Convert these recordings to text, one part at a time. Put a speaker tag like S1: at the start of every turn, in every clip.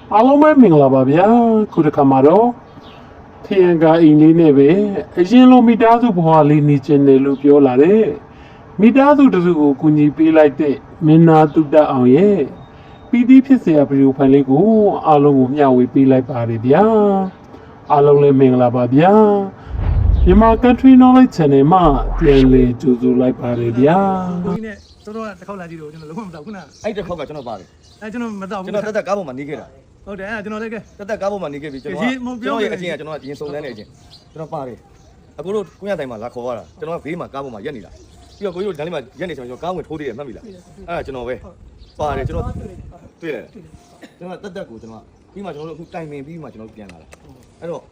S1: အားလုံးပဲမင်္ဂလာပါဗျာခုတစ်ခါမှာတော့ထရန်ကာအိမ်လေးနဲ့ပဲအရင်လိုမိသားစုဘဝလေးနေကျင်တယ်လို့ပြောလာတဲ့မိသားစုတစုကိုကူညီပေးလိုက်တဲ့မင်းသားတုတ္တအောင်ရဲ့ပီတိဖြစ်စရာဗီဒီယိုဖိုင်လေးကိုအားလုံးကိုမျှဝေပေးလိုက်ပါတယ်ဗျာအားလုံးလည်းမင်္ဂလာပါဗျာမြန်မာ Country Knowledge Channel မှာပြန်လည်ကြိုဆိုလိုက်ပါတယ်ဗျာ
S2: ဒီနေ့တော်တော်တစ်ခေါက်လာကြည့်တော့ကျွန်တော်လုံးဝမတောက်ခုန
S3: အဲ့တစ်ခေါက်ကကျွန်တော်ပါတယ်
S2: ကျွန်တော်မတောက်ဘူး
S3: ကျွန်တော်တက်ကားပေါ်မှာနေခဲ့တာ
S2: ဟုတ်တယ်ကျွန်တော်လည်းကဲ
S3: တက်ကားပေါ်မှာနေခဲ့ပြီကျွန်တော်ရဲ့အချင်းကကျွန်တော်ရင်စုံလန်းနေအချင်းကျွန်တော်ပါတယ်အခုတို့ကိုရတိုင်းမှာလာခေါ်ရတာကျွန်တော်ကဘေးမှာကားပေါ်မှာရက်နေတာပြီးတော့ကိုကြီးတို့ဓာတ်လေးမှာရက်နေကျွန်တော်ကားဝင်ထိုးသေးတယ်မှတ်ပြီလားအဲ့ဒါကျွန်တော်ပဲပါတယ်ကျွန်တော်တွေ့တယ်ကျွန်တော်တက်ကိုကျွန်တော်ပြီးမှကျွန်တော်တို့အခုတိုင်ပင်ပြီးမှကျွန်တော်ပြန်လာတာအဲ့တော့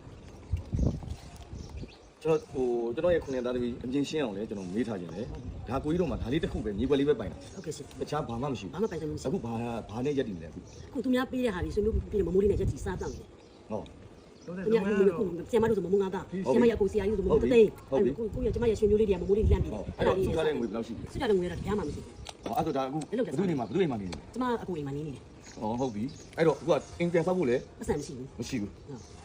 S3: ကျွန်တော်ရဲ့ခုနှစ်သားသမီးအမြင်ရှင်းအောင်လဲကျွန်တော်မေးထားခြင်းလေဒါကိုကြီးတို့မှာဒါလေးတစ်ခုပဲမြေွက်လေးပဲပိုင်တာ
S4: ဟုတ်ကဲ့ရှင်
S3: တခြားဘာမှမရှိဘူး
S4: ဘာမှပိုင်တယ်မရှိ
S3: အခုဘာနဲ့ရက်တည်နေလဲ
S4: အခုသူများပေးတဲ့ဟာတွေဆွေမျိုးပြီးမမိုးလေးနဲ့ရက်တီစားတောင်းတယ်
S3: ဟုတ်
S4: သူများကျမတို့ဆိုမမိုးငါးသားကျမရဲ့အကိုဆရာကြီးဆိုမမိုးတသိန်းကိုရကျမရဲ့ဆွေမျိုးလေးတွေကမမိုးလေးလန့်ပြီးတယ်
S3: အဲ့ဒါလေးစုထားတဲ့ငွေဘယ်လောက်ရှိလဲ
S4: စုထားတဲ့ငွေကတော့ကြားမှာမရှိ
S3: ဘူးအဲ့ဆိုဒါအခုဘယ်သူနေမှာဘယ်သူအိမ်မှာနေလဲ
S4: ကျမအကိုအိမ်မှာနေနေတယ်
S3: ဟုတ်ပြီအဲ့တော့အခုကအင်ကန်ဆောက်ဖို့လဲ
S4: ပတ်စံမရှိဘူး
S3: မရှိဘူး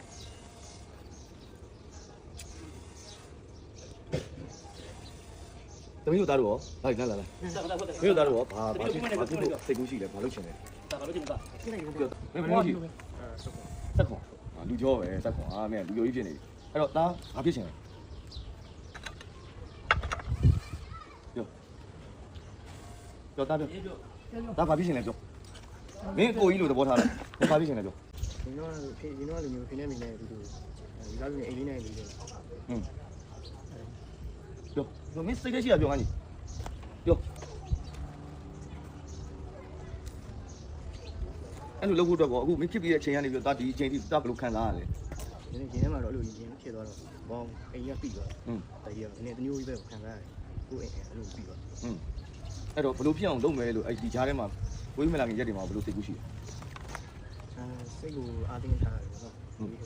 S3: တမီးတို့သားတို့ရောလာမင်းတို့သားတို့ရောဘာစိတ်ကူးရှိလဲဘာလုပ်ချင်လဲဘာလုပ်ချင်တာမင်းမလို့ရှိတက်ခွန်လူကြောပဲတက်ခွန်မင်းလူကြောကြီးဖြစ်နေပြီအဲ့တော့သားဘာဖြစ်ချင်လဲပြောသားပြောသားဘာဖြစ်ချင်လဲပြောမင်းကိုကြီးလိုသဘောထားတယ်ဘာဖြစ်ချင်လဲပြော
S2: ဒီတော့လူမျိုးဖိနေမိနေဒီလိုဒီကားလူနေအိမ်လေးနဲ့နေတယ်
S3: ပြောမင်းစိတ်ထဲရှိတာပြောငါကြီးပြောအဲ့လိုလုပ်ဖို့တော့ကောအခုမင်းဖြစ်ပြီးတဲ့အချိန်ကနေပြီးတော့ဒီအချိန်ထိတာဘယ်လိုခံစားရလဲ
S2: ဒီနေ့ထဲမှာတော့အဲ့လိုရင်ဖြစ်သွားတော့ဘောင်းအိမ်ကပြီးသွားတကယ်ဒီနေ့တမျိုးကြီးပဲခံစားရတယ်ကိုယ်အိမ်အဲ့လိုပြီးသွား
S3: အဲ့တော့ဘယ်လိုဖြစ်အောင်လုပ်မယ်လို့အဲ့ဒီကြားထဲမှာဝိမလာခင်ရက်တွေမှာဘယ်လိုစိတ်ကူးရှိလဲ
S2: စိတ်ကိုအားတင်းထားတယ်ပေါ့အဲ့လို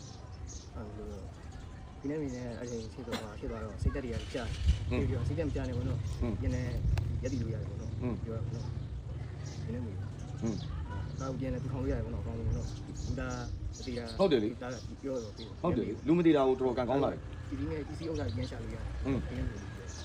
S2: ဒီနေ့မင်းနဲ့အရင်ဖြစ်သွားတော့စိတ်တက်တွေကကြာပြီးတော့စိတ်တက်မကြာနေဘူးနော်ရင်းနဲ့ရက်တီလို့ရတယ်ပေါ့နော်ပြောရအောင်နော်ဒီနေ့မင်းကားပြန်လည်းထောင်ရတယ်ပေါ့နော်ကောင်းလို့နော်ဒါတတိယ
S3: ဟုတ်တယ်လေ
S2: ဒါပြောတော့ပြီး
S3: ဟုတ်တယ်လေလူမတိတာကိုတော်တော်ကန်ကောင်းလာတယ်
S2: ဒီနေ့ဒီစီဥစ္စာပြန်ရှာလို့ရတယ်ဒီနေ့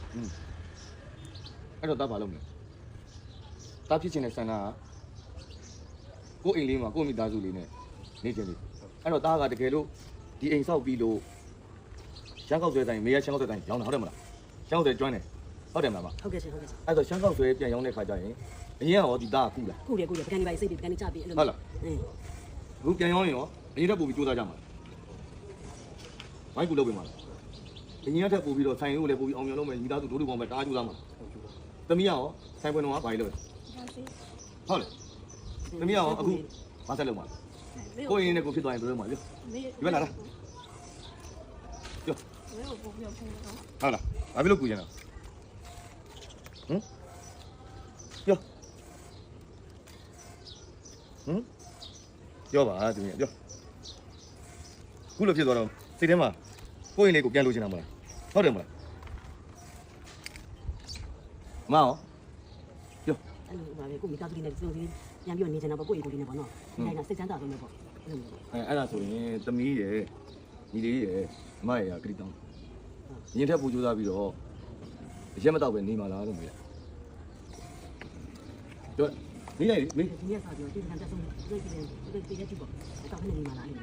S3: အဲ့တော့တားဘာလုပ်မလဲတားဖြစ်ချင်တဲ့ဆန္ဒကကိုအိမ်လေးမှာကိုမိသားစုလေးနဲ့နေချင်တယ်အဲ့တော့တားကတကယ်လို့ဒီအိမ်ဆောက်ပြီးလို့ရှမ်းကောက်ဆွဲတိုင်းမေရရှမ်းကောက်ဆွဲတိုင်းရောင်းတာဟုတ်တယ်မလားရှမ်းကောက်ဆွဲကျွမ်းတယ်ဟုတ်တယ်မလား
S4: ဟုတ်ကဲ့ရှင်ဟုတ်ကဲ့
S3: အဲ့တော့ရှမ်းကောက်ဆွဲပြန်ရောင်းတဲ့ခါကျရင်အရင်ကရောဒီတားကကုလား
S4: ကုတယ်ပကံဒီပါစိတ်ပကံဒီချပြီးအဲ့လို
S3: ဟုတ်လားအခုပြန်ရောင်းရင်ရောအရင်တက်ပို့ပြီးစူးစမ်းကြမှာဝိုင်းကူလုပ်ပေးမှာအရင်ကတက်ပို့ပြီးတော့ဆိုင်ရိုးလည်းပို့ပြီးအောင်မြင်လုပ်မယ်မိသားစုဒိုးဒူပေါင်းပဲတားစူးစမ်းမှာသမီးရောဆိုင်ပွင့်တော့ဘာကြီးလုပ်လဲဟုတ်လေသမီးရောအခုဘာဆက်လုပ်မှာကိုရင်နဲ့ကိုဖြစ်သွားရင်ဘယ်လိုလုပ်မှာလဲဒီဘက်လာလားဟုတ်လားဘာဖြစ်လို့ကူကျင်တာပြောပါသူမြင်ပြောခုလိုဖြစ်သွားတော့စိတ်ထဲမှာကိုရင်လေးကိုပြန်လို့ချင်တာမလားဟုတ်တယ်မလားမအောင်ပြော
S4: အဲ့လိုပါပဲကိုမိသားစုလေးနဲ့စုံစည်းပြန်ပြီးနေချင်တာပေါ့ကိုယ့်အိမ်ကိုလေးနဲ့ပေါ့နော်ဒီတိုင်းကစိတ်ချမ်းသာဆုံးပဲပေါ့
S3: အဲ့ဒါဆိုရင်သမီးရယ်ညီလေးရယ်မရယ်ကတိတောင်းရင်ထက်ပူကြိုးစားပြီးတော့ရက်မတော့ပဲနေမှာလားလို့မေးတယ်ပြောနေလိုက်မေး
S4: ဒီနေ့စာပြောဒီကံတက်ဆုံးဒီရက်ကြည့်ပေါ့တောင်းနေမှာလား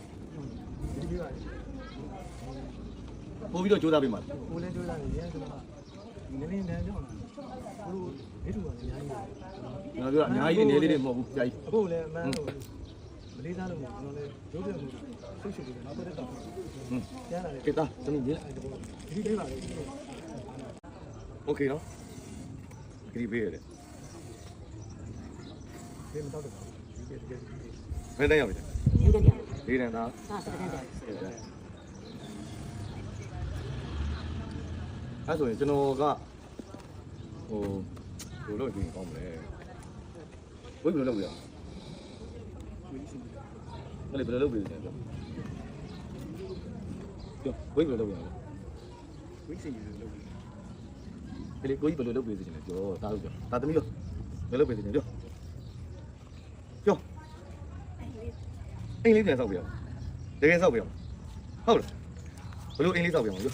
S3: ပို့ပြီးတော့ကြိုးစားပေးမှာ
S2: ကိုလည်းကြိုးစားနေရတယ်ဆိုတော့ဒီနေ့တန်းကြောင်းကိုမိထူပါလေအများကြီး
S3: ကျွန်တော်ပြောအများကြီးအနေလေးတွေမဟုတ်ဘူးကြာကြီး
S2: အခုလည်းအမှန်လို့မလေးစားလို့ကျွန်တော်လည်းရုပ်ပြမှုဆွတ်ရှုပ်ပြီးနောက်တော့တောင်းပြန်လာတယ်
S3: ကေတာသမီးကြီး
S2: ဒီလေးပါလေ
S3: โอเคနော်ခရီးပေးရတယ်
S2: ဒီမတော့တော့
S3: ဘယ်တန်းရောက်ပြီ
S4: ဒီတန်း
S3: လေးတန်းသား
S4: စတဲ့တန်း
S3: အဲ့ဆိုရင်ကျွန်တော်ကဘယ်လိုလုပ်ရင်ကောင်းမလဲဘယ်လိုလုပ်ရမလဲဘယ်လိုလုပ်ပြီးလဲပြောဘယ်လိုလုပ်ရလဲ
S2: ဝိစီလုပ်ပြီး
S3: ဒီလေကိုကြီးဘယ်လိုလုပ်ပြီးစီလဲပြောတာလို့ပြောဒါသမီးလို့ဘယ်လိုလုပ်ပြီးစီလဲပြောအိမ်လေးပြန်ဆောက်ပြရအောင်တကယ်ဆောက်ပြရအောင်ဟုတ်လားဘလို့အိမ်လေးဆောက်ပြရအောင်ပြော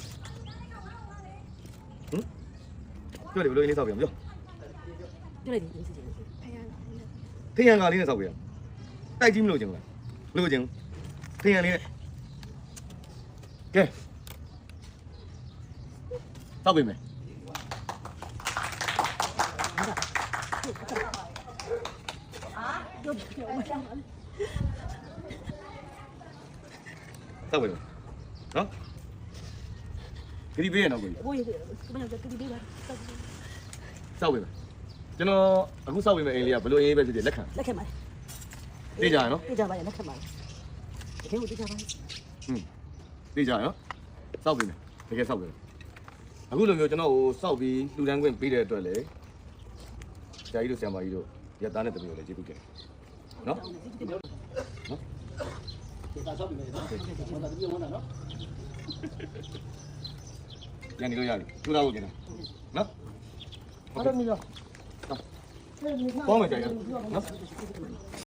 S3: ပြောလေဘလို့အိမ်လေးဆောက်ပြရအောင်ပြော
S4: ပြောလိုက်ဒီစီစီ
S3: ထရန်ကာလေးနဲ့ဆောက်ပြရအောင်တိုက်ကြီးမလို့ချင်လားလို့ချင်ထရန်လေးနဲ့ကဲဆောက်ပြီမယ်ဆောက်ပြီနော်ဒီပေးရအောင်ကို
S4: ကိုရကမကတိပေးပါ
S3: ဆောက်ပြီမယ်ကျွန်တော်အခုဆောက်ပြီမယ်အိမ်လေးကဘလို့အေးပဲဖြစ်ဖြစ်လက်ခံ
S4: လက်ခံပါ
S3: သိကြရနော်
S4: သိကြပါရဲ့လက်ခံပါတကယ်ကိုသိကြပါရဲ့
S3: သိကြရနော်စောက်ပြီမယ်တကယ်စောက်ပြီအခုလိုမျိုးကျွန်တော်ကိုစောက်ပြီးလှူဒန်းခွင့်ပေးတဲ့အတွက်လည်းဆရာကြီးတို့ဆရာမကြီးတို့ရသားနဲ့တပည့်တို့လည်းကျေးဇူးတင်နော်ရန်ဒီလို့ရတယ်ထူလာဖို့ကျင်တယ်နော်ဟုတ်တယ်မီးရောပေါင်းမယ်ကြာရနော်